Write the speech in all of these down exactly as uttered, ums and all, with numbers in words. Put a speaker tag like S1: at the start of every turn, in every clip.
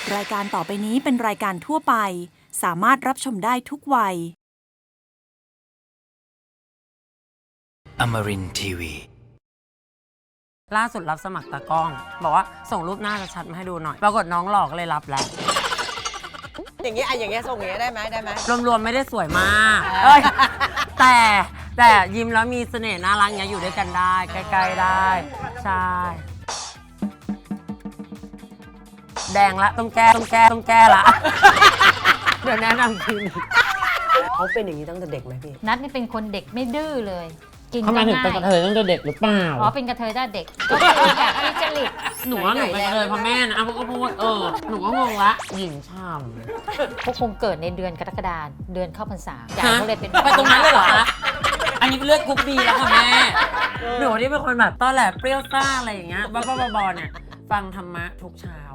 S1: รายการต่อไปนี้เป็นรายการทั่วไปสามารถรับชมได้ทุกวัย
S2: Amarin ที วี
S3: ล่าสุดรับสมัครตากล้อง บอกว่าส่งรูปหน้าชัดๆมาให้ดูหน่อย ปรากฏน้องหลอกเลยรับแล้ว
S4: อย่างเงี้ยอ่ะอย่างเงี้ยส่งอย่างเงี้ยได้ไหมได้ไหม
S3: รวมๆไม่ได้สวยมากเอ้ยแต่แต่ยิ้มแล้วมีเสน่ห์น่ารักเงี้ยอยู่ด้วยกันได้ใกล้ๆได้ใช่แดงละต้องแก้ต้องแก้ต้องแก้ละเดี๋ยวแนะนำคลินิก
S4: เขาเป็นอย่างนี้ตั้งแต่เด็กไหมพี่
S5: นัทนี่เป็นคนเด็กไม่ดื้อเลย กิน
S3: ทำไม
S5: ก็
S3: ถึง
S5: ง่า
S3: เป็นกระเทยตั้งแต่เด็กหรือเปล่า
S5: อ๋อเป็นกระเทยได้เด็กก็คือแบบมีจริต
S3: หนูว่าหนูเป็นกระเทยเพราะแม่นะอ้าวก็พูดเออหนูก็งงละหญิงช่ำ
S5: พวกคงเกิดในเดือนกรกฎาคมเดือนเข้าพรรษาใหญ่ก็เลยเป็น
S3: ไปตรงนั้นเลยเหรอคะ อันนี้เป็นเลือดกรุ๊ปบีแล้วค่ะแม่ หนูที่เป็นคนแบบตอนแหลเปรี้ยวซ่าอะไรอย่างเงี้ยบ้าๆบอๆเนี่ยฟังธรรมะทุกเช้า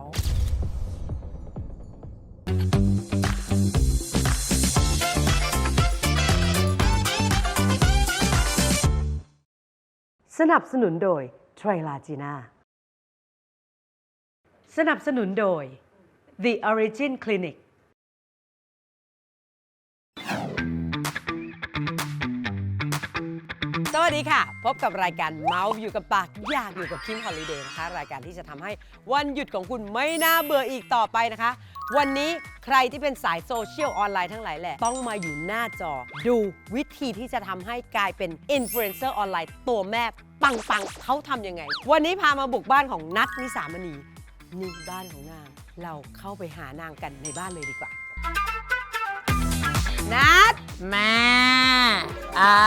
S6: สนับสนุนโดยไทรลาจีน่าสนับสนุนโดย The Origin Clinic
S4: สวัสดีค่ะ พบกับรายการเมาส์อยู่กับปากอยากอยู่กับคิมฮอลิเดย์นะคะรายการที่จะทำให้วันหยุดของคุณไม่น่าเบื่ออีกต่อไปนะคะ วันนี้ใครที่เป็นสายโซเชียลออนไลน์ทั้งหลายแหละต้องมาอยู่หน้าจอ ดูวิธีที่จะทำให้กลายเป็นอินฟลูเอนเซอร์ออนไลน์ตัวแม่ปังๆเขาทำยังไง วันนี้พามาบุกบ้านของนัทนิสามณีนี่บ้านของนางเราเข้าไปหานางกันในบ้านเลยดีกว่านัท
S3: แม่อ่า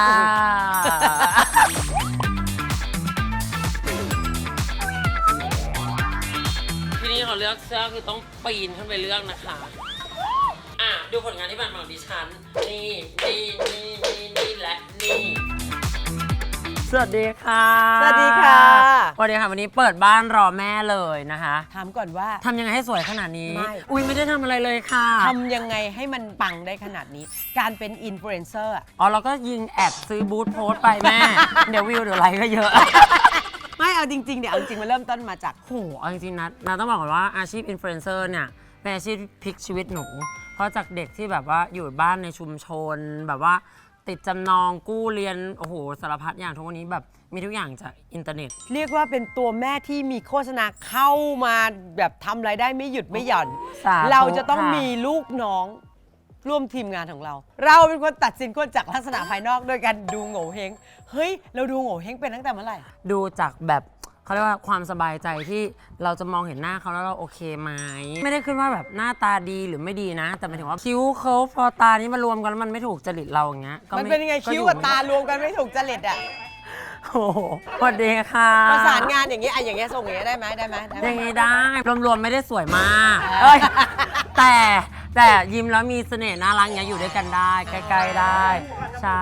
S3: ที่นี่เขาเลือกเสื้อคือต้องปีนขึ้นไปเลือกนะคะ อ่ะ ดูผลงานที่ผ่านมาของดิฉัน นี่นี่นี่นี่นี่และนี่ สวัสดีค่ะ
S4: สวัสดีค่ะ
S3: สวัสดีค่ะ วันนี้เปิดบ้านรอแม่เลยนะคะ
S4: ถามก่อนว่า
S3: ทำยังไงให้สวยขนาดนี้
S4: ไม่
S3: อุ้ยไม่ได้ทำอะไรเลยค่ะ
S4: ทำยังไงให้มันปังได้ขนาดนี้ การเป็นอินฟลูเอนเซอร์อะ
S3: อ๋อเราก็ยิงแอดซื้อบูธโพสต์ไปแม่ เดี๋ยววิวเดี๋ยวไลค์ก็เยอะ
S4: ไม่เอาจริงๆเดี๋ยวเอาจริงมันเริ่มต้นมาจาก
S3: โหเอาจริงๆนะนาต้องบอกก่อนว่าอาชีพอินฟลูเอนเซอร์เนี่ยเป็นอาชีพที่พลิกชีวิตหนู เพราะจากเด็กที่แบบว่าอยู่บ้านในชุมชน แบบว่าติดจำนองกู้เรียน โอ้โหสารพัดอย่างทุกวันนี้แบบมีทุกอย่างจากอินเทอร์เน็ต
S4: เรียกว่าเป็นตัวแม่ที่มีโฆษณาเข้ามาแบบทำรายได้ไม่หยุดไม่หย่อน
S3: สาธุ
S4: เราจะต้อง
S3: ค่ะ
S4: มีลูกน้องร่วมทีมงานของเรา เราเป็นคนตัดสินคนจากลักษณะภายนอกโดยการดูโง่เฮงเฮ้ยเราดูโง่เฮงเป็นตั้งแต่เมื่อไหร่
S3: ดูจากแบบเขาเรียกว่าความสบายใจที่เราจะมองเห็นหน้าเขาแล้วเราโอเคไหมไม่ได้ขึ้นว่าแบบหน้าตาดีหรือไม่ดีนะ แต่หมายถึงว่าคิ้วเขาพอตานี้มารวมกันแล้วมันไม่ถูกจริตเราอย่างเงี้ยก็
S4: มัน
S3: ไม่
S4: เป็นยังไง
S3: ก็
S4: คิ้ว
S3: อยู่
S4: กับ
S3: ไม่
S4: ตา
S3: ได้
S4: รวมกันไม่ถูกจริตอ่ะ
S3: โอ้โหสวัสดีค่ะ
S4: ประสานงานอย่างเงี้ยอ่ะอย่างเงี้ยส่งอย่างเงี้ยได้ไหมได้ไหมได้ไหม
S3: ยังไงได้รวมๆไม่ได้สวยมากเอ้ยแต่แต่ยิ้มแล้วมีเสน่ห์น่ารักเงี้ยอยู่ด้วยกันได้ใกล้ๆได้ใช่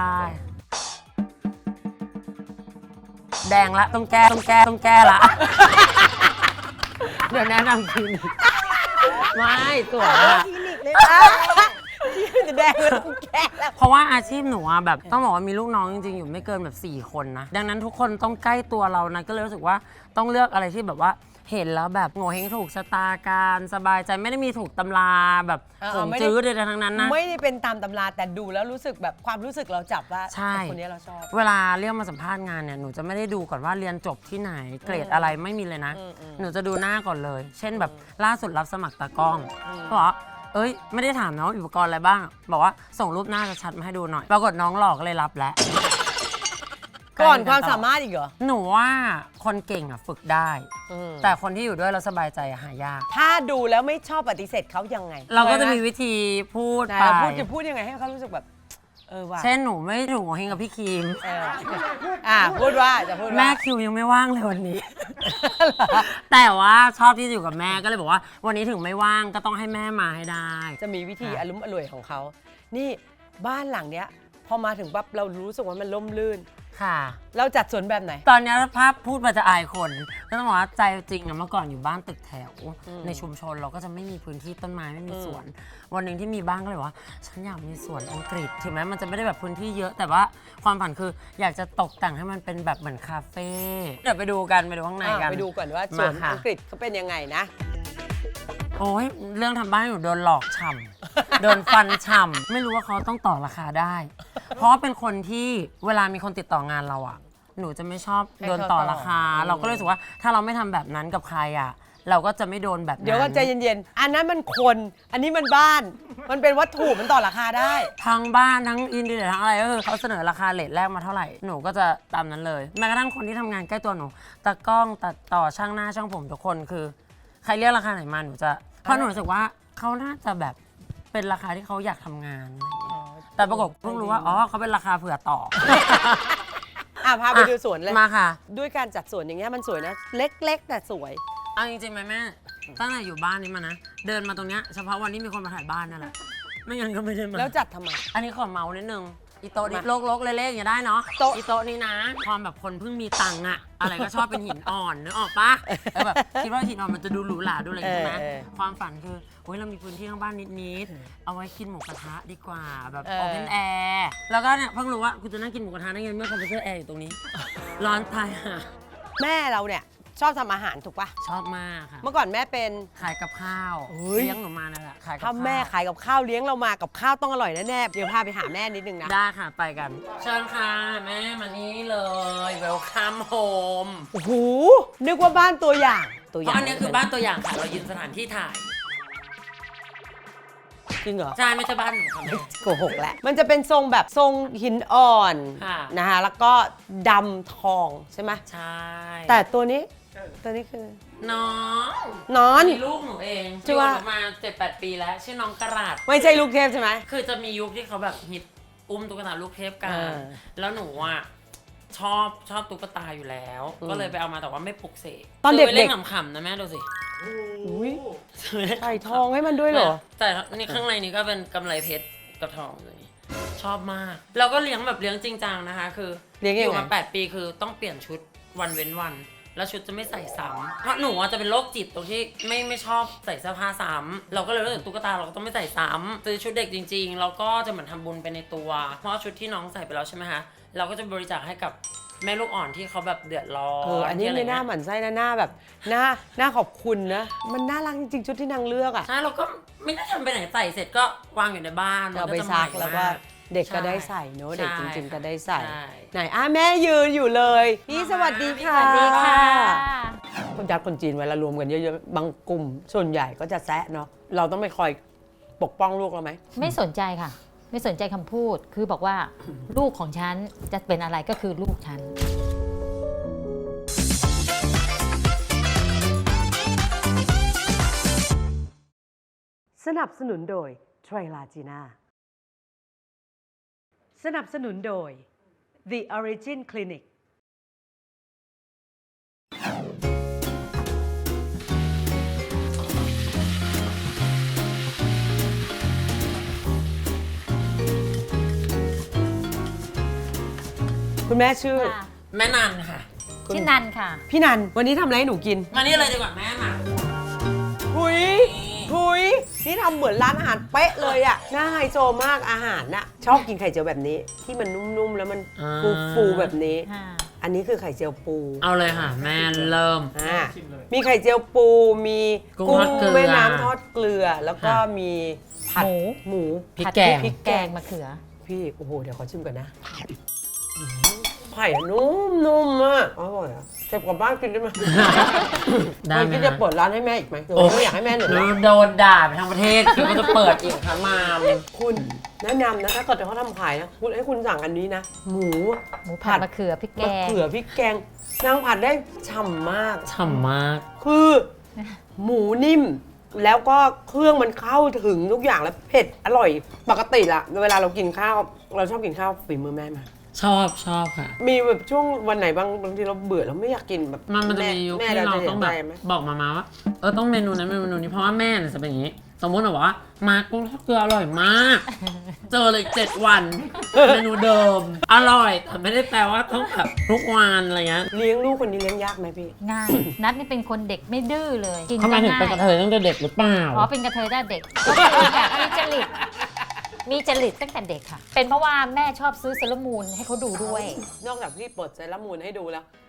S3: แดงละต้องแก้ต้องแก้ต้องแก้ละเดี๋ยวแนะนำคลินิกไม่สวยอะ
S4: คลินิกเลยที่จะแดงเลยต้องแก้แล้ว
S3: เพราะว่าอาชีพหนูอะแบบต้องบอกว่ามีลูกน้องจริงๆอยู่ไม่เกินแบบสี่คนนะดังนั้นทุกคนต้องใกล้ตัวเรานะก็เลยรู้สึกว่าต้องเลือกอะไรที่แบบว่าเห็นแล้วแบบโง่เฮงถูกชะตาการสบายใจไม่ได้มีถูกตำราแบบ
S4: เออ
S3: ผม
S4: ไม่ได้
S3: จื้อใดๆทั้งนั้นนะ
S4: ไม่ได้เป็นตามตำราแต่ดูแล้วรู้สึกแบบความรู้สึกเราจับว่า
S3: ใช่
S4: คนนี้เราชอบ
S3: เวลาเรียกมาสัมภาษณ์งานเนี่ยหนูจะไม่ได้ดูก่อนว่าเรียนจบที่ไหนเกรดอะไรไม่มีเลยนะ
S4: อืมอืม
S3: หนูจะดูหน้าก่อนเลย เช่นแบบล่าสุดรับสมัครตากล้องก็บอกว่าเอ้ยไม่ได้ถามนะว่าอุปกรณ์อะไรบ้าง บอกว่าส่งรูปหน้าชัดๆมาให้ดูหน่อย ปรากฏน้องหลอกเลยรับแล้ว
S4: ก่อนความสามารถอีกเหรอ
S3: หนูว่าคนเก่งอ่ะฝึกได้
S4: อืม
S3: แต่คนที่อยู่ด้วยแล้วสบายใจอะหายาก
S4: ถ้าดูแล้วไม่ชอบปฏิเสธเขายังไง
S3: เราก็จะมี
S4: คยไห
S3: วิธีพูด
S4: ไหน
S3: ไป
S4: เราพูดจะพูดยังไงให้เขารู้สึกแบบ เออว่ะ
S3: เช่นหนูไม่ถูกเฮงกับพี่คิม
S4: เอออ่ะพูดว่าจะพูดว่า
S3: แม่คิวยังไม่ว่างเลยวันนี้ แต่ว่าชอบที่จะอยู่กับแม่ก็เลยบอกว่า วันนี้ถึงไม่ว่างก็ต้องให้แม่มาให้ได้
S4: จะมีวิธี
S3: ค่ะ
S4: อารมณ์อร่วยของเขา นี่บ้านหลังเนี้ย พอมาถึงปั๊บเรารู้สึกว่ามันล่มลื่น
S3: ค่ะ
S4: เราจัดสวนแบบไหน
S3: ตอนนี้ภาพพูดมาจะอายคนก็ต้องบอกว่าใจจริงอะเมื่อก่อนอยู่บ้านตึกแถว
S4: อืม
S3: ในชุมชนเราก็จะไม่มีพื้นที่ต้นไม้ไม่มี
S4: อืม
S3: สวน วันหนึ่งที่มีบ้านก็เลยว่า ฉันอยากมีสวนอังกฤษถึงแม้มันจะไม่ได้แบบพื้นที่เยอะ แต่ว่าความฝันคืออยากจะตกแต่งให้มันเป็นแบบเหมือนคาเฟ่เดี๋ยวไปดูกันไปดูข้างใน
S4: อ่ะ
S3: กัน
S4: ไปดูก่อนว่าสวน
S3: มาค่ะ
S4: อังกฤษเขาเป็นยังไงนะ
S3: โอ้ยเรื่องทำบ้านหนูโดนหลอกฉ่ำ โดนฟันฉ่ำ ไม่รู้ว่าเขาต้องต่อราคาได้ เพราะว่าเป็นคนที่เวลามีคนติดต่องานเราอะหนูจะไม่ชอบโดนต่อราคา เราก็เลยรู้สึกว่าถ้าเราไม่ทำแบบนั้นกับใครอะเราก็จะไม่โดนแบบนั้น
S4: เดี๋ยวก็ใจเย็นๆ อันนั้นมันคน อันนี้มันบ้าน มันเป็นวัตถุมันต่อราคาได้
S3: ทั้งบ้านทั้งอินเดียทั้งอะไรก็คือเขาเสนอราคาเรทแรกมาเท่าไหร่หนูก็จะตามนั้นเลยแม้กระทั่งคนที่ทำงานใกล้ตัวหนูตากล้องตัดต่อช่างหน้าช่างผมทุกคนคือใครเรียกราคาไหนมาหนูจะเพราะหนูรู้สึกว่าเขาน่าจะแบบเป็นราคาที่เขาอยากทำงานอะไรอย่างเงี้ยแต่ปรากฏเพิ่งรู้ว่าอ๋อเขาเป็นราคาเผื่อต่อ
S4: อ่ะพาไปดูสวนเลย
S3: มาค่ะ
S4: ด้วยการจัดสวนอย่างเงี้ยมันสวยนะ เล็กๆ แต่สวย
S3: เอาจริงๆไหมแม่ตั้งแต่อยู่บ้านนี้มานะ เดินมาตรงเนี้ยเฉพาะวันที่มีคนมาถ่ายบ้านนั่นแหละไม่งั้นก็ไม่ได้มา
S4: แล้วจัดทำไม
S3: อันนี้ขอเมาส์นิดนึงอีโต๊ะนี้
S4: มา
S3: โลกๆเละๆอย่างเงี้ยได้เนาะ
S4: โต๊ะ
S3: อีโต๊ะนี้นะความแบบคนเพิ่งมีตังค์อะอะไรก็ชอบเป็นหินอ่อนนึกออกปะเออแบบคิดว่าหินอ่อนมันจะดูหรูหราดูอะไรอย่างเงี้ยใช่ไหม
S4: เออ
S3: ความฝันคือโอ้ยเรามีพื้นที่ข้างบ้านนิดๆเอาไว้กินหมูกระทะดีกว่าแบบ
S4: เออ
S3: โอเพนแอร์แล้วก็เนี่ยเพิ่งรู้ว่าคุณจะนั่งกินหมูกระทะได้ไงเมื่อคอมพิวเตอร์แอร์อยู่ตรงนี้ร้อนตายห่า
S4: แม่เราเนี่ยชอบทำอาหารถูกปะ
S3: ชอบมากค่ะ
S4: เมื่อก่อนแม่เป็น
S3: ขายกับข้าว
S4: เฮ้ย
S3: เลี้ยงหนูมานั่นแหละขายกับ
S4: ถ้า
S3: ข้าว
S4: แม่ขายกับข้าวเลี้ยงเรามากับข้าวต้องอร่อยแน่ๆ เดี๋ยวพาไปหาแม่นิดนึงนะ
S3: ได้ค่ะไปกัน เชิญค่ะแม่มานี่เลย welcome home
S4: โอ้โห นึกว่าบ้านตัวอย่าง ตัวอ
S3: เพ
S4: ย่าง
S3: ราะอันนี้คือบ้านตัวอย่างค่ะ เรายืนสถานที่ถ่าย
S4: จริงเหรอ
S3: ใช่ไม่ใช่บ้านหนูค่ะแม่
S4: โกหกแหละ มันจะเป็นทรงแบบทรงหินอ่อน
S3: ค่ะ
S4: นะคะแล้วก็ดำทองใช่ไหม
S3: ใช่
S4: แต่ตัวนี้ ตัวนี้คือ
S3: น้อง
S4: นอน
S3: มีลูกหนูเอง
S4: ชื่
S3: ชื่
S4: อ
S3: อ
S4: ว่า
S3: ว่ามาเจ็ดแปดปีแล้ว ชื่อน้องกระดาษ
S4: ไม่ใช่ลูกเทพใช่ไหม
S3: คือจะมียุคที่เขาแบบฮิตอุ้มตุ๊กตาลูกเทพกัน
S4: อ่า
S3: แล้วหนูอ่ะชอบชอบตุ๊กตาอยู่แล้ว
S4: อืม
S3: ก็เลยไปเอามาแต่ว่าไม่ปลุกเสก
S4: ตอนเด็กๆ
S3: ซื้ไปเล่นขำๆนะแม่ดูสิ
S4: อุ้ย
S3: ซื้อไปเล่น
S4: ใส่ทองให้มันด้วยเหรอ
S3: แต่นี่ข้างในนี้ก็เป็นกำไรเพชรกับทองเลยชอบมาก เราก็เลี้ยงแบบเลี้ยงจริงจังนะคะ คือ
S4: เลี้ยงยังไง
S3: อยู่มาแปดปีคือต้องเปลี่ยนชุดวันเว้นวัน แล้วชุดจะไม่ใส่ซ้ำเพราะหนูอะจะเป็นโรคจิตตรงที่ไม่ไม่ชอบใส่เสื้อผ้าซ้ำเราก็เลยรู้สึกตุ๊กตาเราก็ต้องไม่ใส่ซ้ำซื้อชุดเด็กจริงๆแล้วก็จะเหมือนทำบุญไปในตัว เพราะชุดที่น้องใส่ไปแล้วใช่ไหมคะเราก็จะบริจาคให้กับแม่ลูกอ่อนที่เขาแบบเดือดร้อน
S4: เออ อันนี้
S3: ที่ะร
S4: ไม่น่า
S3: เงี้ย
S4: หมั่นไส้นะหน้าแบบหน้าหน้าขอบคุณนะ มันน่ารักจริงๆชุดที่นางเลือกอ่ะ
S3: ใช่เราก็ไม่ได้ทำไปไหนใส่เสร็จก็วางอยู่ในบ้าน
S4: เราไป
S3: จะ
S4: ซัก
S3: ใหม่
S4: แล้วก็
S3: มาก
S4: เด็กก็
S3: ใช่
S4: ได้ใส่เนอะเด็กจริง ๆ ก็ได้ใส่
S3: ใช่
S4: ไหนอ่ะแม่ยืนอยู่เลย พี่สวัสดีค่ะ
S3: สวัสดีค่ะ
S4: คนยัดคนจีนเวลารวมกันเยอะๆ บางกลุ่ม ส่วนใหญ่ก็จะแซะเนาะ เราต้องไปคอยปกป้องลูกเราไหม
S5: ไม่สนใจค่ะ ไม่สนใจคำพูด คือบอกว่า ลูกของฉันจะเป็นอะไรก็คือลูกฉัน
S6: สนับสนุนโดยไทรลาจีน่าสนับสนุนโดย The Origin Clinic
S4: คุณแม่ชื่อ
S3: แม่นันค่ะ
S5: ชื่อนันค่ะ
S4: พี่นัน วันนี้ทำอะไรให้หนูกิน
S3: มานี่เลยดีกว่าแม่มา
S4: หุยหุยนี่ทำเหมือนร้านอาหารเป๊ะเลยอะน่าไฮโซมากอาหารน่ะ ชอบกินไข่เจียวแบบนี้ ที่มันนุ่มๆ แล้วมันฟูๆแบบนี้ อันนี้คือไข่เจียวปู
S3: เอาเลยค่ะ แม่เริ่ม
S4: อ่ามีไข่เจียวปู มี
S3: กุ้ง
S4: กุ้
S3: ทอดเกลือ
S4: แม่น้ำทอดเกลือ แล้วก็
S3: ค่ะ
S4: มีผัด
S5: หมู
S4: หมู
S3: พริก
S5: ผัด
S3: แกง
S5: พริกแกงมะเขือ
S4: พี่ โอ้โห เดี๋ยวขอชิมก่อนนะไข่นุ่มนุ่มมากอร่อยอะเก็บกลับบ้านกินได้ไหม
S3: ได้
S4: มัน
S3: ไหม
S4: คิดจะเปิดร้านให้แม่อีกไหมหรือ
S3: โอ้
S4: ว่าไม่อยากให้แม่เหนื่อย
S3: หนู
S4: ละ
S3: โดนด่าไปทั้งประเทศคือก็จะเปิดอีกค่ะมาม
S4: คุณแนะนำนะถ้าเกิดเขาทำขายนะคุณให้คุณสั่งอันนี้นะ หมู
S5: หมูผัดมะเขือพริกแก
S4: มะ
S5: ง
S4: เขือพริกแกงนางผัดได้ฉ่ำมาก
S3: ฉ่ำมาก
S4: คือหมูนิ่ม แล้วก็เครื่องมันเข้าถึงทุกอย่างแล้วเผ็ดอร่อยปกติละเวลาเรากินข้าว เราชอบกินข้าวฝีมือแม่มา
S3: ชอบชอบค่ะ
S4: มีแบบช่วงวันไหนบางบางทีเราเบื่อเราไม่อยากกินแบบ
S3: มันมันจะมียุค
S4: แม่
S3: ที่เรา
S4: จะ
S3: ต้องแบบ
S4: ห็นใจไหม
S3: บอกมามาว่า เออต้องเมนูนั้นเมนูนี้เพราะว่าแม่เนี่ยจะเป็นอย่างนี้ สมมติแบบว่ามากุ้งทอดเกลืออร่อยมาก เจอเลยเจ็ดวัน เมนูเดิม อร่อย แต่ไม่ได้แปลว่าต้องแบบทุกวันอะไรเงี้ย
S4: เลี้ยงลูกคนนี้เลี้ยงยากไหมพี่
S5: ง่าย นัดนี่เป็นคนเด็กไม่ดื้อเลย กิน
S3: ทำไม
S5: ก็
S3: ถึง
S5: ง่า
S3: เป็น
S5: ย
S3: กระเทยตั้งแต่เด็กหรือเปล่า
S5: อ๋อเป็นกระเทยได้เด็กก็คือแบบมีจริตมีจริตตั้งแต่เด็กค่ะ เป็นเพราะว่าแม่ชอบซื้อเซรามูนให้เขาดูด้วย
S4: นอกจากพี่เปิดเซรามูนให้ดูแล้ว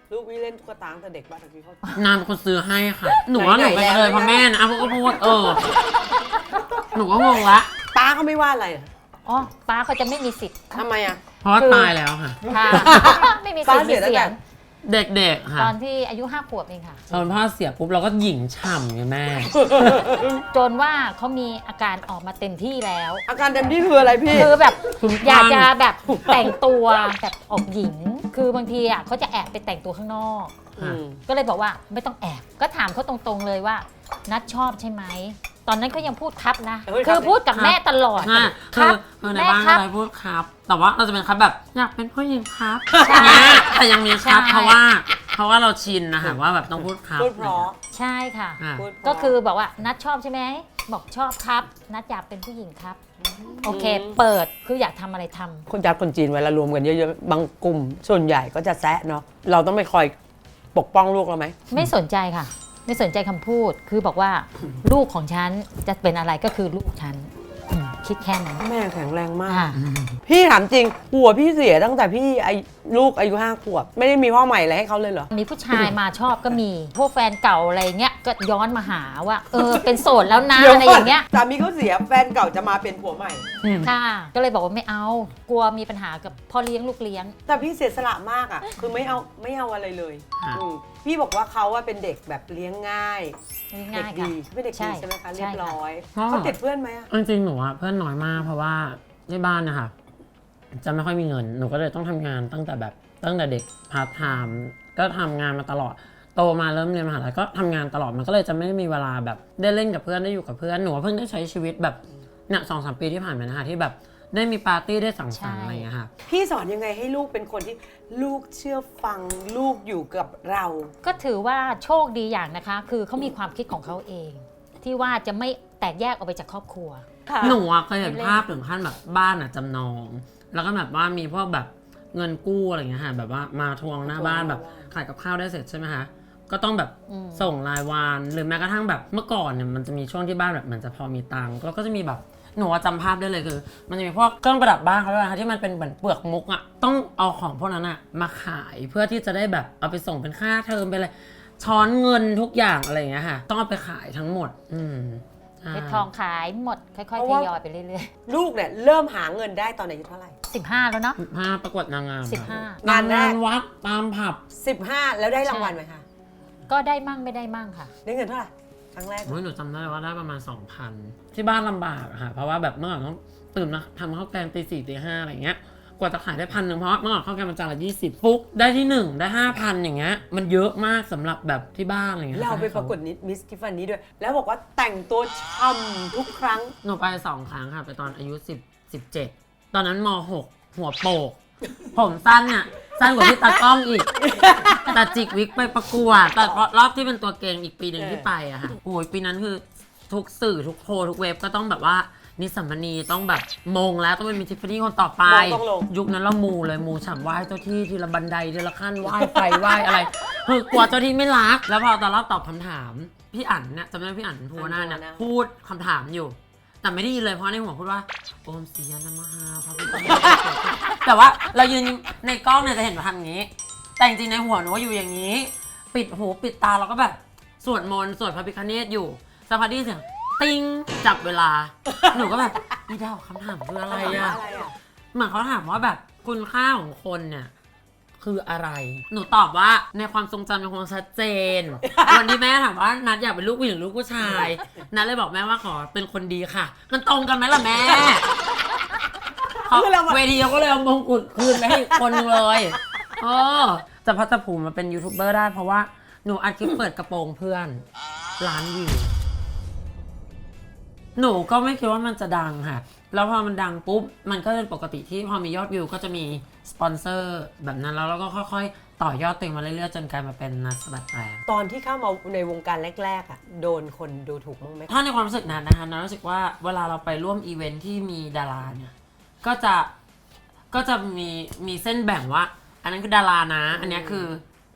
S4: ลูกพี่เล่นตุ๊กตาตั้งแต่เด็กบ้านตะกี้เขา
S3: นางเป็นคนซื้อให้ค่ะ หนูว่าหนูเป็นเลยพ่อแม่นะพวกก็พูดเออ หนูก็งงละ
S4: ป้าเขาไม่ว่าอะไรเหรอ
S5: อ๋อป้าเขาจะไม่มีสิทธิ์
S4: ทำไมอ่ะ
S3: เพราะว่าตายแล้วค่ะ
S5: ค่ะ ไม่มีสิทธิ์
S4: ป้า
S5: มี
S4: เสียตั้ง
S5: เสี
S4: แต่
S5: ยง
S3: เด็กๆค่ะ
S5: ตอนที่อายุห้าขวบเองค่ะ
S3: ตอนพ่อเสียปุ๊บเราก็หยิ่งฉ่ำไงแม่
S5: จนว่าเขามีอาการออกมาเต็มที่แล้ว
S4: อาการเต็มที่คืออะไรพี่
S5: คือแบบ
S3: คุ้มคลั่ง
S5: อยากจะแบบแต่งตัวแบบออกหญิง คือบางทีอ่ะเขาจะแอบไปแต่งตัวข้างนอก
S3: ค่ะ
S5: ก็เลยบอกว่าไม่ต้องแอบ ก็ถามเขาตรงๆเลยว่า นัดชอบใช่ไหม ตอนนั้นเขายังพูดครับนะ
S4: เฮ้ยครับ
S5: คือพูดกับแม่ตลอด
S3: ใช่
S5: ค
S3: คื
S5: รั
S3: อบ คือใน
S5: แม่
S3: บ้าน
S5: ครั
S3: อะไรพูดครับ แต่ว่าเราจะเป็นครับแบบอยากเป็นผู้หญิงครับ
S5: ใช่
S3: เนี่ยแต่ยังมีครับ
S5: ใช่
S3: เพราะว่า เพราะว่าเราชินนะคะว่าแบบต้องพูดครับ
S4: พูดเพราะ
S5: ใช่ค่ะ
S3: อ่ะ
S4: พูดเพราะ
S5: ก็คือบอกว่านัดชอบใช่ไหม บอกชอบครับ นัดอยากเป็นผู้หญิงครับ โอเค เปิด คืออยากทำอะไรทำ
S4: คนจัดคนจีนเวลารวมกันเยอะๆ บางกลุ่มส่วนใหญ่ก็จะแซะเนาะ เราต้องไปคอยปกป้องลูกเราไหม
S5: ไม่สนใจค่ะ ไม่สนใจคำพูด คือบอกว่าลูกของฉันจะเป็นอะไรก็คือลูกฉันอืมคิดแค่นั้น
S4: แม่แข็งแรงมาก
S5: อ่า
S4: พี่ถามจริงหัวพี่เสียตั้งแต่พี่อายุลูกอายุห้าขวบ ไม่ได้มีพ่อใหม่อะไรให้เขาเลยเหรอ
S5: มีผู้ชายมาชอบก็มี พวกแฟนเก่าอะไรเงี้ย ก็ย้อนมาหาว่า เออ เป็นโสดแล้วนะ อะไรอย่างเงี้ย
S4: สามีเขาเสียแฟนเก่าจะมาเป็นผัวใหม่
S5: ค่ะ ก็เลยบอกว่าไม่เอา กลัวมีปัญหากับพ่อเลี้ยงลูกเลี้ยง
S4: แต่พี่เสียสละมากอ่ะ คือไม่เอาไม่เอาอะไรเลย
S3: ค่ะ
S4: อืมพี่บอกว่าเขาว่าเป็นเด็กแบบเลี้ยงง่าย
S5: ง่าย
S4: เด็ก
S5: ๆค่ะ
S4: ดีเป็นเด็กดีใช่ไหมคะเรียบร้อย
S3: ใช่ค่ะ
S4: เขาติดเพื่อนไหมอะ
S3: จริงๆหนูอะเพื่อนน้อยมากเพราะว่าที่บ้านนะคะจะไม่ค่อยมีเงินหนูก็เลยต้องทำงานตั้งแต่แบบตั้งแต่เด็กพาร์ทไทม์ก็ทำงานมาตลอดโตมาเริ่มเรียนมหาลัยก็ทำงานตลอดมันก็เลยจะไม่มีเวลาแบบได้เล่นกับเพื่อนได้อยู่กับเพื่อนหนูเพิ่งได้ใช้ชีวิตแบบเนี่ยสองสามปีที่ผ่านมานะคะที่แบบได้มีปาร์ตี้ได้สังสรรค์
S5: ใช่
S3: อะไรอย่างเงี้ยค่ะ
S4: พี่สอนยังไงให้ลูกเป็นคนที่ลูกเชื่อฟังลูกอยู่กับเรา
S5: ก็ถือว่าโชคดีอย่างนะคะ คือเขามีความคิดของเขาเอง ที่ว่าจะไม่แตกแยกออกไปจากครอบครัว
S3: หนูอะเคยเห็นภาพถึงขั้นแบบบ้านอะจำนอง แล้วก็แบบว่ามีพวกแบบเงินกู้อะไรอย่างเงี้ยค่ะแบบว่ามาทวงหน้าบ้านแบบขายกับข้าวได้เสร็จใช่ไหมคะก็ต้องแบบ
S5: อืม
S3: ส่งรายวันหรือแม้กระทั่งแบบเมื่อก่อนเนี่ยมันจะมีช่วงที่บ้านแบบเหมือนจะพอมีตังค์แล้วก็จะมีแบบหนูอะจำภาพได้เลยคือ มันจะมีพวกเครื่องประดับบ้านเขาด้วยนะคะที่มันเป็นเหมือนเปลือกมุกอะต้องเอาของพวกนั้นอะมาขายเพื่อที่จะได้แบบเอาไปส่งเป็นค่าเทอมไปเลยช้อนเงินทุกอย่างอะไรอย่างเงี้ยค่ะต้องเอาไปขายทั้งหมด อืมใช่
S5: เพชรทองขายหมด ค่อย
S4: เพ
S5: ๆ
S4: ราะ
S5: ท
S4: ว่า
S5: ยอยไปเรื่อย
S4: ลูกเนี่ยเริ่มหาเงินได้ตอนอายุเท่าไหร่
S5: ๆ สิบห้าแล้วเนาะ
S3: ภาพประกวดนางงาม
S5: สิบห้า
S4: งานแรก
S3: งานวัดตามผับ
S4: สิบห้าแล้วได้รางวัลไหมคะ
S5: ก็ได้มั่งไม่ได้มั่งค่ะ
S4: ได้เงินเท่าไหร่ครั้งแรก
S3: โอ้ยหนูจำได้ว่าได้ประมาณ สองพัน ที่บ้านลำบากอะค่ะเพราะว่าแบบเมื่อก่อนต้องตื่นมาทำข้าวแกงตีสี่ตีห้าอะไรเงี้ยกว่าจะขายได้พันหนึ่งเพราะเมื่อก่อนข้าวแกงมันจานละยี่สิบฟุกได้ที่หนึ่งได้ห้าพันอย่างเงี้ยมันเยอะมากสำหรับแบบที่บ้านอะไรเงี้ย
S4: เราไปประกวดมิสกิฟฟานี่ด้วย แล้วบอกว่าแต่งตัวช่ำทุกครั้ง
S3: หนูไปสองครั้งค่ะไปตอนอายุสิบ สิบเจ็ดตอนนั้นมหกหัวโปกผมสั้นเนี่ยสั้นกว่าที่ตากล้องอีก แต่จิกวิกไปประกวดแต่รอบที่เป็นตัวเก่งอีกปีหนึ่งที่ไปอะค่ะโอ้ยปีนั้นคือทุกสื่อทุกโพลทุกเว็บก็ต้องแบบว่านิสสัมมณีต้องแบบมงแล้วต้องเป็นมิทิฟฟานี่คนต่อไป
S4: ต้องลง
S3: ยุคนั้นเรามูเลยมูฉ่ำไหว้เจ้าที่ทีละบันไดทีละขั้นไหว้ไฟไหว้อะไรคือกลัวเจ้าที่ไม่รัก แล้วพอตอนรอบตอบคำถามพี่อั๋นเนี่ยจำได้พี่อั๋นภูวนาถเนี่ยพูดคำถามอยู่ แต่ไม่ได้ยินเลยเพราะในหัวพูดว่าโอมศรียานามหาพระพุทธเจ้าแต่ว่าเรายืนในกล้องเนี่ยจะเห็นว่าทำอย่างนี้ แต่จริงๆในหัวหนูว่าอยู่อย่างนี้ ปิดหูปิดตาเราก็แบบสวดมนต์สวดพระพิฆเนศอยู่สักพักได้ยินเสียงติ้งจับเวลา หนูก็แบบนี่ดาวคำถามคืออะไรอะ
S4: อะไรอะ
S3: เหมือนเขาถามว่าแบบคุณค่าของคนเนี่ยคืออะไร หนูตอบว่าในความทรงจำเป็นความชัดเจน วันที่แม่ถามว่านัดอยากเป็นลูกผู้หญิงหรือลูกผู้ชาย นัดเลยบอกแม่ว่าขอเป็นคนดีค่ะ มันตรงกันไหมล่ะแม่เขาเวทีเขาก็เลยเอามงกุฎคืนไปให้อีกคนนึงเลยเออจะพัฒภูมิมาเป็นยูทูบเบอร์ได้เพราะว่าหนูอัดคลิปเปิดกระโปรงเพื่อนล้านวิวหนูก็ไม่คิดว่ามันจะดังค่ะแล้วพอมันดังปุ๊บมันก็เป็นปกติที่พอมียอดวิวก็จะมีสปอนเซอร์แบบนั้นแล้วเราก็ค่อยๆต่อยอดตัวเองมาเรื่อยๆจนกลายมาเป็นนักสะบัดแปลง
S4: ตอนที่เข้ามาในวงการแรกๆอ่ะโดนคนดูถูกมั้างไหม
S3: ถ้าในความรู้สึกนั้นนะคะนัทรู้สึกว่าเวลาเราไปร่วมอีเวนท์ที่มีดาราเนี่ยก็จะก็จะมีมีเส้นแบ่งว่า อันนั้นคือดารานะ อันนี้คือ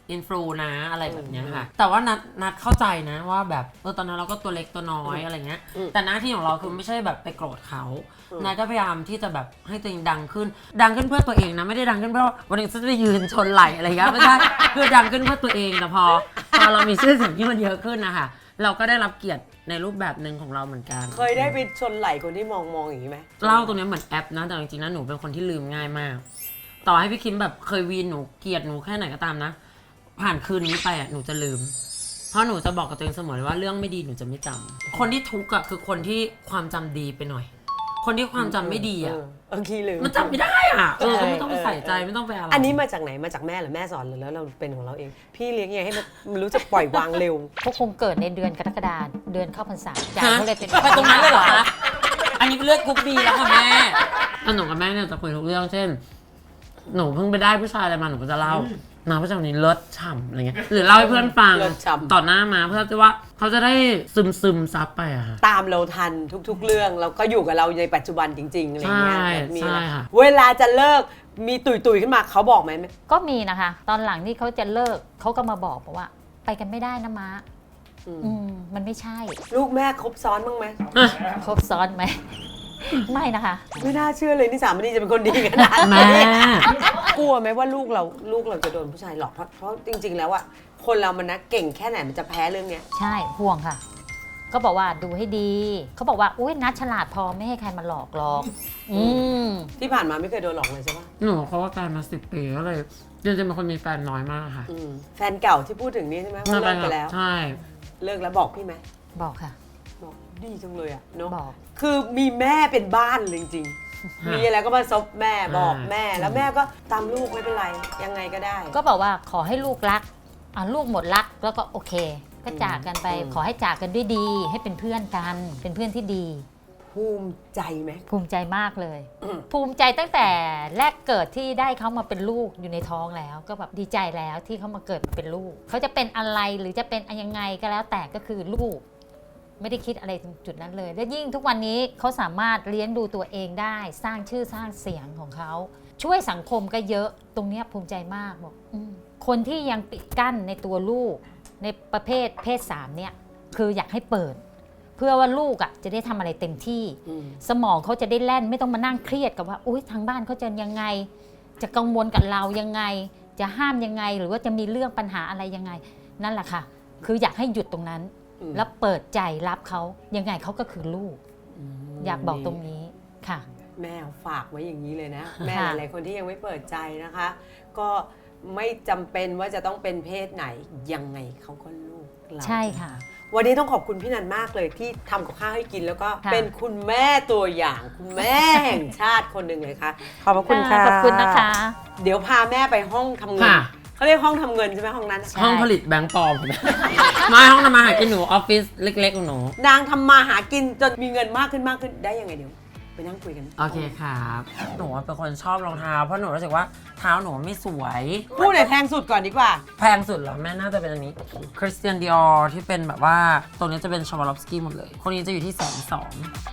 S3: อินฟลูนะอะไรแบบเนี้ยค่ะแต่ว่านัดนัดเข้าใจนะว่าแบบเออตอนนั้นเราก็ตัวเล็กตัวน้อยอะไรเงี้ยแต่หน้าที่ของเราคือไม่ใช่แบบไปโกรธเขานัดก็พยายามที่จะแบบให้ตัวเองดังขึ้นดังขึ้นเพื่อตัวเองนะไม่ได้ดังขึ้นเพราะวันหนึงฉันจะไปยืนชนไหลอะไรเงี้ยไม่ใช่คือดังขึ้นเพื่อตัวเองแต่พอพอเรามีชื่อเสียงที่มันเยอะขึ้นนะคะเราก็ได้รับเกียรติในรูปแบบหนึ่งของเราเหมือนกัน
S4: เคยได้ไปชนไหล่คนที่มองมองอย่างนี้ไหม
S3: เล่าตรงนี้เหมือนแอปนะแต่จริงๆนะหนูเป็นคนที่ลืมง่ายมากต่อให้พี่คิมแบบเคยวีนหนูเกลียดหนูแค่ไหนก็ตามนะผ่านคืนนี้ไปอ่ะหนูจะลืมเพราะหนูจะบอกกับตัวเองเสมอเลยว่าเรื่องไม่ดีหนูจะไม่จำคนที่ทุกข์อ่ะคือคนที่ความจำดีไปหน่อยคนที่ความจำไม่ดีอ่ะ
S4: เออเออขี้ลืม
S3: มันจำไม่ได้อ่ะเออ
S4: ใช่
S3: ไม่ต้องไปใส่ใจ
S4: เออ
S3: ไม่ต้องไปอะไร
S4: อันนี้มาจากไหนมาจากแม่หรือแม่สอนหรือแล้วเราเป็นของเราเอง พี่เลี้ยงยังไงให้มันมันรู้จักปล่อยวางเร็ว
S5: เขาคงเกิดในเดือนกรกฎาคมเดือนเข้าพรรษาใจ
S3: ฮะ
S5: เขาเลยเป็น
S3: ไปตรงนั้นเลยเหรอคะอันนี้เป็นเลือดกรุ๊ปบีแล้วค่ะแม่แล้วหนูกับแม่เนี่ยจะคุยทุกเรื่องเช่น หนูเพิ่งไปได้ผู้ชายอะไรมาหนูก็จะเล่ามาผู้ชายคนนี้เลิศฉ่ำอะไรเงี้ยหรือเล่าให้เพื่อนฟัง
S4: เลิศฉ่ำ
S3: ต่อหน้ามาเพื่อที่ว่าเขาจะได้ซึมซึมซับไปอะค่ะ
S4: ตามเราทันทุกๆเรื่องแล้วก็อยู่กับเราในปัจจุบันจริงๆอะไรเงี้ย
S3: ใช่
S4: แบบมี
S3: ใช่
S4: นะ
S3: ค่ะ
S4: เวลาจะเลิกมีตุยตุยๆขึ้นมาเขาบอกไหม
S5: ก็มีนะคะ ตอนหลังที่เขาจะเลิกเขาก็มาบอกบอกว่า ไปกันไม่ได้นะม้า
S4: อืม
S5: อืมมันไม่ใช่
S4: ลูกแม่ครบซ้อนบ้างไหม
S5: ครบซ้อนไหม ไม่นะคะ
S4: ไม่น่าเชื่อเลยนี่สามณีจะเป็นคนดีขนาด
S3: แม่
S4: นี้กลัวไหมว่าลูกเราลูกเราจะโดนผู้ชายหลอกเพราะเพราะจริง ๆ แล้วอะคนเรามันนะเก่งแค่ไหนมันจะแพ้เรื่องเนี้ย
S5: ใช่ห่วงค่ะ ก็บอกว่าดูให้ดี เขาบอกว่าอุ้ยนัดฉลาดพอไม่ให้ใครมาหลอกหรอกอืม
S4: ที่ผ่านมาไม่เคยโดนหลอกเลยใช่ปะ
S3: หนูเขาว่าการมาสิบปีก็เลยจริงๆเป็นคนมีแฟนน้อยมากค่ะ
S4: อืมแฟนเก่าที่พูดถึงนี่ใช่ไหมว่าเลิกไปแล้ว
S3: ใช่
S4: เลิกแล้วบอกพี่ไหม
S5: บอกค่ะ
S4: บอกดีจังเลยอะเนาะ
S5: บอก
S4: คือมีแม่เป็นบ้านเลยจริงๆ มีอะไรก็มาซบแม่บอกแม่ แล้วแม่ก็ตามลูกไม่เป็นไรยังไงก็ได้
S5: ก็บอกว่าขอให้ลูกรักอ่ะลูกหมดรักแล้วก็โอเค ก็จากกันไป
S4: อืม
S5: ขอให้จากกันด้วยดี ให้เป็นเพื่อนกัน เป็นเพื่อนที่ดี
S4: ภูมิใจไหม
S5: ภูมิใจมากเลย
S4: อืม
S5: ภูมิใจตั้งแต่แรกเกิดที่ได้เขามาเป็นลูกอยู่ในท้องแล้ว ก็แบบดีใจแล้วที่เขามาเกิดมาเป็นลูก เขาจะเป็นอะไรหรือจะเป็นยังไงก็แล้วแต่ก็คือลูก ไม่ได้คิดอะไรถึงจุดนั้นเลย และยิ่งทุกวันนี้เขาสามารถเลี้ยงดูตัวเองได้ สร้างชื่อสร้างเสียงของเขา ช่วยสังคมก็เยอะตรงเนี้ยภูมิใจมากบอกอมคนที่ยังปิดกั้นในตัวลูกในประเภทเพศสามเนี่ยคืออยากให้เปิด เพื่อว่าลูกอ่ะจะได้ทำอะไรเต็มที่
S4: อืม
S5: สมองเขาจะได้แล่นไม่ต้องมานั่งเครียดกับว่าอุ้ยทางบ้านเขาจะยังไง จะกังวลกับเรายังไง จะห้ามยังไง หรือว่าจะมีเรื่องปัญหาอะไรยังไง นั่นแหละค่ะ คืออยากให้หยุดตรงนั้น
S4: อืม
S5: แล้วเปิดใจรับเขายังไงเขาก็คือลูก
S4: ม
S5: อยากบอกตรงนี้ค่ะ
S4: แม่ฝากไว้อย่างนี้เลยนะ แม่
S5: ค่ะ
S4: หลายๆคนที่ยังไม่เปิดใจนะคะ ก็ไม่จำเป็นว่าจะต้องเป็นเพศไหนยังไงเขาก็ลูกเรา
S5: ใช่ค่ะ
S4: วันนี้ต้องขอบคุณพี่นันมากเลยที่ทำกับข้าวให้กินแล้วก็
S5: ค่ะ
S4: เป็นคุณแม่ตัวอย่างคุณแม่แห่งชาติคนหนึ่งเลยค่ะขอบพระคุณค่ะ
S5: ขอบคุณนะคะ
S4: เดี๋ยวพาแม่ไปห้องทำเงิน
S3: ค่ะ
S4: เขาเรียกห้องทำเงินใช่ไหมห้องนั้น
S5: ใช่
S3: ห้องผลิตแบงค์ปลอม ไม่ห้องทำมาหากินหนูออฟฟิศเล็กๆของหนู
S4: นางทำมาหากินจนมีเงินมากขึ้นมากขึ้นได้ยังไงเดี๋ยวไปนั่งคุยกัน
S3: โอเคครับหนูเป็นคนชอบรองเท้าเพราะหนูรู้สึกว่าเท้าหนูไม่สวย
S4: พูดไหนแพงสุดก่อนดีกว่า
S3: แพงสุดเหรอแม่น่าจะเป็นอันนี้คริสเตียนดิออที่เป็นแบบว่าตัวนี้จะเป็นชาวาลอฟสกี้หมดเลย คนนี้จะอยู่ที่แสนสอง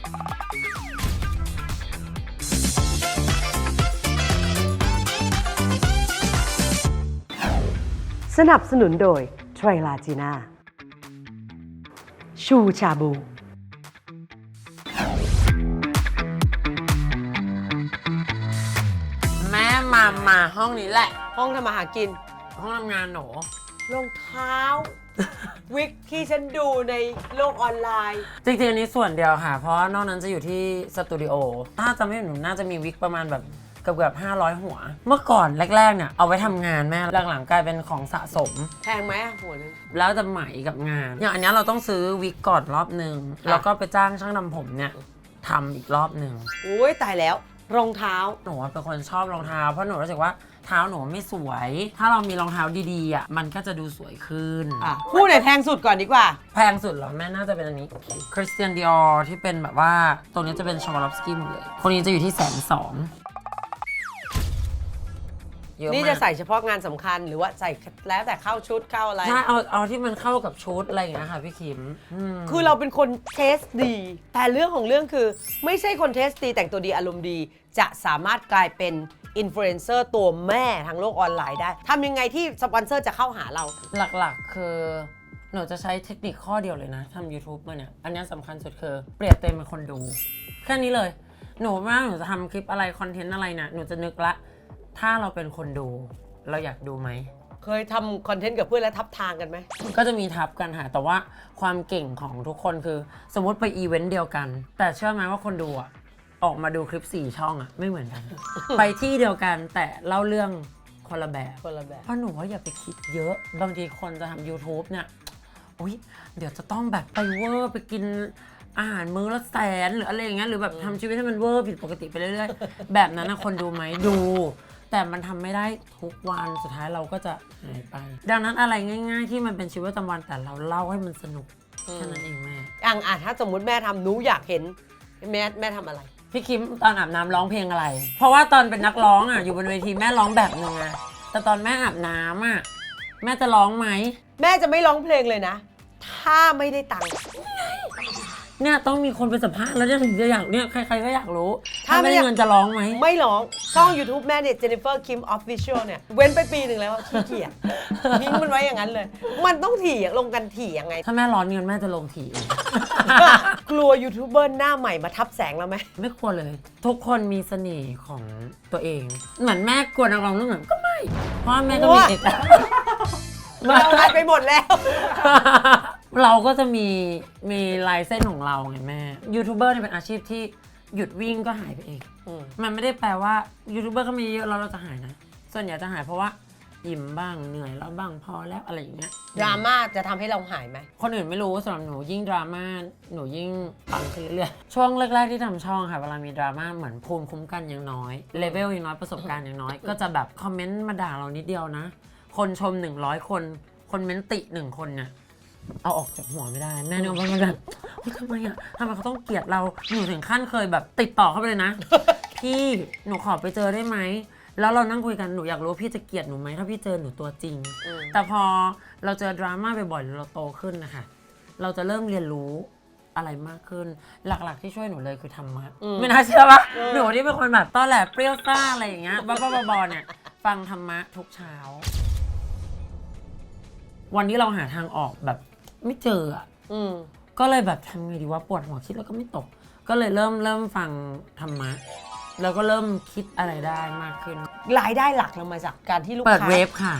S6: สนับสนุนโดยไทรลาจีน่าชูชาบู
S3: แม่มามาห้องนี้แหละ
S4: ห้องทำมาหากิน
S3: ห้องทำงานหนู
S4: รองเท้า วิกที่ฉันดูในโลกออนไลน์
S3: จริงๆอันนี้ส่วนเดียวค่ะ เพราะว่านอกนั้นจะอยู่ที่สตูดิโอถ้าจะไม่ผิดหนูน่าจะมีวิกประมาณแบบเกือบเกือบห้าร้อยหัว เมื่อก่อนแรกๆเนี่ยเอาไว้ทำงานแม่หลังๆกลายเป็นของสะสม
S4: แพงไหมอะหัวนึง
S3: แล้วจะไหมกับงาน อย่างอันเนี้ยเราต้องซื้อวิกก่อนรอบหนึ่ง
S4: ค่ะ
S3: แล้วก็ไปจ้างช่างทำผมเนี่ยทำอีกรอบหนึ่ง
S4: โอ้ยตายแล้ว รองเท้า
S3: หนูเป็นคนชอบรองเท้าเพราะหนูรู้สึกว่าเท้าหนูไม่สวย ถ้าเรามีรองเท้าดีๆอ่ะมันก็จะดูสวยขึ้น
S4: อ่ะพูดไหนแพงสุดก่อนดีกว่า
S3: แพงสุดเหรอแม่น่าจะเป็นอันนี้คริสเตียนดิออที่เป็นแบบว่าตัวนี้จะเป็นชาวาลอฟสกี้หมดเลย คนนี้จะอยู่ที่แสนสองเยอะมาก
S4: นี่จะใส่เฉพาะงานสำคัญหรือว่าใส่แล้วแต่เข้าชุดเข้าอะไร
S3: ใช่เอาเอาที่มันเข้ากับชุดอะไรอย่างเงี้ยค่ะพี่คิมอืม
S4: คือเราเป็นคนเทสดี แต่เรื่องของเรื่องคือ ไม่ใช่คนเทสดีแต่งตัวดีอารมณ์ดี จะสามารถกลายเป็นอินฟลูเอนเซอร์ตัวแม่ทางโลกออนไลน์ได้ทำยังไงที่สปอนเซอร์จะเข้าหาเรา
S3: หลักๆ คือหนูจะใช้เทคนิคข้อเดียวเลยนะทำ YouTube มาเนี่ย อันนี้สำคัญสุดคือเปลี่ยนเต็มเป็นคนดู แค่นี้เลย หนูว่าหนูจะทำคลิปอะไร คอนเทนต์อะไรนะหนูจะนึกละ ถ้าเราเป็นคนดู เราอยากดูไหม
S4: เคยทำคอนเทนต์กับเพื่อนแล้วทับทางกันไหม
S3: ก็จะมีทับกันค่ะแต่ว่าความเก่งของทุกคนคือสมมติไปอีเวนต์เดียวกัน แต่เชื่อไหมว่าคนดูอะออกมาดูคลิปสี่ช่องอะไม่เหมือนกัน ไปที่เดียวกันแต่เล่าเรื่องคนละแบบ
S4: คนละแบบ
S3: เพราะหนูว่าอย่าไปคิดเยอะบางทีคนจะทำ YouTube เนี่ยอุ๊ยเดี๋ยวจะต้องแบบไปเวอร์ไปกินอาหารมื้อละแสนหรืออะไรอย่างเงี้ยหรือแบบทำชีวิตให้มันเวอร์ผิดปกติไปเรื่อยๆ แบบนั้นนะคนดูไหมดู แต่มันทำไม่ได้ทุกวันสุดท้ายเราก็จะหายไป ดังนั้นอะไรง่ายๆที่มันเป็นชีวิตประจำวันแต่เราเล่าให้มันสนุกแค่นั้นเองแม่
S4: อย่างอ่ะถ้าสมมุติแม่ทำหนูอยากเห็นแม่แม่ทำอะไร
S3: พี่คิมตอนอาบน้ำร้องเพลงอะไร เพราะว่าตอนเป็นนักร้องอ่ะอยู่บนเวทีแม่ร้องแบบนึงอะแต่ตอนแม่อาบน้ำอ่ะแม่จะร้องไหม
S4: แม่จะไม่ร้องเพลงเลยนะ ถ้าไม่ได้ตังค์
S3: เนี่ยต้องมีคนไปสัมภาษณ์แล้วเนี่ยถึงจะอยากเนี่ยใครๆก็อยากรู้
S4: ถ้า
S3: ถ้า
S4: ไม่
S3: ไม่
S4: ได้
S3: ได้เงินจะร้องไหม
S4: ไม่ร้องช่อง YouTube แม่เนี่ย Jennifer Kim Official เนี่ย เว้นไปปีหนึ่งแล้วขี้เกียจทิ้งมันไว้อย่างนั้นเลย มันต้องถี่อะลงกันถี่ยังไง
S3: ถ้าแม่ร้อนเงินแม่จะลงทีเอง
S4: กลัวยูทูบเบอร์หน้าใหม่มาทับแสงเราไหม
S3: ไม่ควรเลย ทุกคนมีเสน่ห์ของตัวเอง เหมือนแม่กลัวนักร้องรุ่นใหม่ก็ไม่ เพราะว่าแม่ก็มีเอกลักษณ์
S4: เราไลฟ์ไปหมดแล้ว
S3: เราก็จะมีมีลายเส้นของเราไงแม่ยูทูบเบอร์เนี่ยเป็นอาชีพที่หยุดวิ่งก็หายไปเอง
S4: อืม
S3: มันไม่ได้แปลว่ายูทูบเบอร์ก็มีเยอะแล้วเราจะหายนะ ส่วนใหญ่จะหายเพราะว่าอิ่มบ้างเหนื่อยแล้วบ้างพอแล้วอะไรอย่างเงี้ย
S4: ดราม่าจะทำให้เราหายไหม
S3: คนอื่นไม่รู้สำหรับหนูยิ่งดราม่าหนูยิ่งปังขึ้นเรื่อยๆช่วงแรกๆที่ทำช่องค่ะเวลามีดราม่าเหมือนภูมิคุ้มกันยังน้อยเลเวลยังน้อยประสบการณ์ยังน้อย ก็จะแบบคอมเมนต์มาด่าเรานิดเดียวนะ คนชมหนึ่งร้อยคนคนเมนติหนึ่งคนเนี่ยเอาออกจากหัวไม่ได้แน่นอนว่ามันแบบเฮ้ยทำไมอ่ะทำไมเขาต้องเกลียดเราหนูถึงขั้นเคยแบบติดต่อเข้าไปเลยนะ พี่หนูขอไปเจอได้ไหมแล้วเรานั่งคุยกันหนูอยากรู้ว่าพี่จะเกลียดหนูไหมถ้าพี่เจอหนูตัวจริง
S4: อืม
S3: แต่พอเราเจอดราม่าบ่อยๆหรือเราโตขึ้นนะคะเราจะเริ่มเรียนรู้อะไรมากขึ้น หลักๆที่ช่วยหนูเลยคือธรรมะไม่น่าเชื่อปะหนูที่เป็นคนแบบตอนแหลเปรี้ยวซ่าอะไรอย่างเงี้ยบ้าๆบอๆเนี่ยฟังธรรมะทุกเช้า วันที่เราหาทางออกแบบไม่เจออ่ะ
S4: อืม
S3: ก็เลยแบบทำไงดีว่าปวดหัวคิดแล้วก็ไม่ตก ก็เลยเริ่มเริ่มฟังธรรมะแล้วก็เริ่มคิดอะไรได้มากขึ้น
S4: รายได้หลักเรามาจากการที่ลูก
S3: เปิด
S4: ค้า
S3: เว็บค่ะ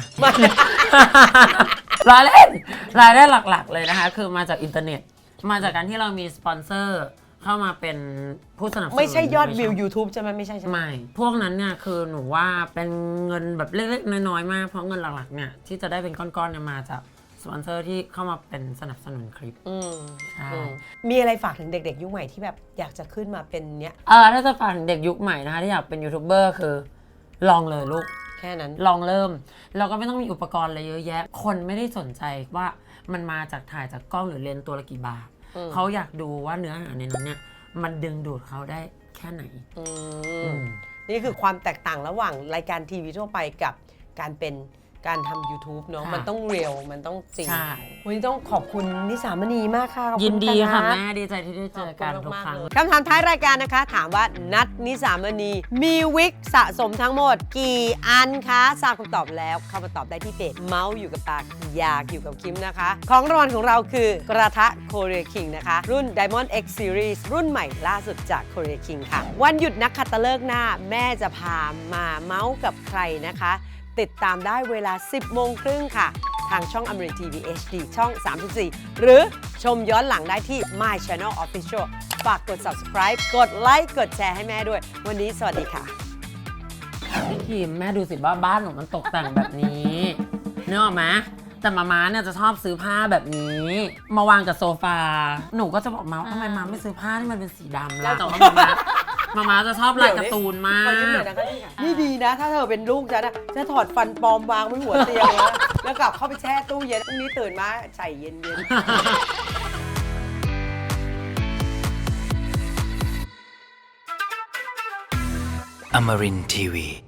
S3: รายเล่นรายได้หลักๆเลยนะคะ คือมาจากอินเทอร์เน็ต มาจากการที่เรามีสปอนเซอร์เข้ามาเป็นผู้สนับสนุน
S4: ไม่ใช่ยอดวิว
S3: ในช่ง
S4: YouTube ใช่ไหมไม่ใช่ใช่ไหม
S3: ไม่ พวกนั้นเนี่ยคือหนูว่าเป็นเงินแบบเล็กๆน้อยๆมาก เพราะเงินหลักๆเนี่ยที่จะได้เป็นก้อนๆเนี่ยมาจากสปอนเซอร์ที่เข้ามาเป็นสนับสนุนคลิป
S4: อืม
S3: ใช่
S4: อืมมีอะไรฝากถึงเด็กๆยุคใหม่ที่แบบอยากจะขึ้นมาเป็นเนี้ย
S3: เออถ้าจะฝากถึงเด็กยุคใหม่นะคะที่อยากเป็นยูทูบเบอร์คือลองเลยลูก
S4: แค่นั้น
S3: ลองเริ่มเราก็ไม่ต้องมีอุปกรณ์อะไรเยอะแยะ คนไม่ได้สนใจว่ามันมาจากถ่ายจากกล้องหรือเลนส์ตัวละกี่บาท
S4: อืม
S3: เขาอยากดูว่าเนื้อหาในนั้นเนี่ยมันดึงดูดเขาได้แค่ไหน
S4: อื
S3: อื
S4: ม
S3: ม
S4: นี่คือความแตกต่างระหว่างรายการทีวีทั่วไปกับการเป็นการทำ YouTube เนาะ
S3: ค่ะ
S4: มันต้องเรียลมันต้องจริง
S3: ใช่
S4: วันนี้ต้องขอบคุณนิสามณีมากค่ะขอบณ
S3: ยินดีค่ะ
S4: นัท
S3: แม่ดีใจที่ได้เจอกันทุกครั้ง
S4: คำถามท้ายรายการนะคะ ถามว่านัทนิสามณีมีวิกสะสมทั้งหมดกี่อันคะทราบคำตอบแล้วเข้ามาตอบได้ที่เพจเมาส์อยู่กับปากอยากอยู่กับคิมนะคะ ของรางวัลของเราคือกระทะ Korea King นะคะ รุ่น Diamond X Series รุ่นใหม่ล่าสุดจาก Korea King ค่ะ วันหยุดนักขัตฤกษ์หน้าแม่จะพามาเมาส์กับใครนะคะ ติดตามได้เวลา สิบโมงครึ่งค่ะ ทางช่องอมรินทีวี เอช ดี ช่อง สามสิบสี่ หรือชมย้อนหลังได้ที่ My Channel Official ฝากกด Subscribe กดไลค์กดแชร์ให้แม่ด้วย วันนี้สวัสดีค่ะ
S3: พี่คิมแม่ดูสิว่าบ้านหนูมันตกแต่งแบบนี้นึกออกไหมแต่มาม้าเนี่ยจะชอบซื้อผ้าแบบนี้ มาวางกับโซฟาหนูก็จะบอกมาว่าทำไมมาไม่ซื้อผ้าที่มันเป็นสีดำล่ะแต่ว่ามาม้ามาม้าจะชอบลายการ์ตูนมาก
S4: นี่ดีนะ ถ้าเธอเป็นลูกฉันนะจะถอดฟันปลอมวางไว้หัวเตียงแล้วแล้วกลับเข้าไปแช่ตู้เย็นพรุ่งนี้ตื่นมาใส่เย็นๆ
S2: Amarin Tiwi.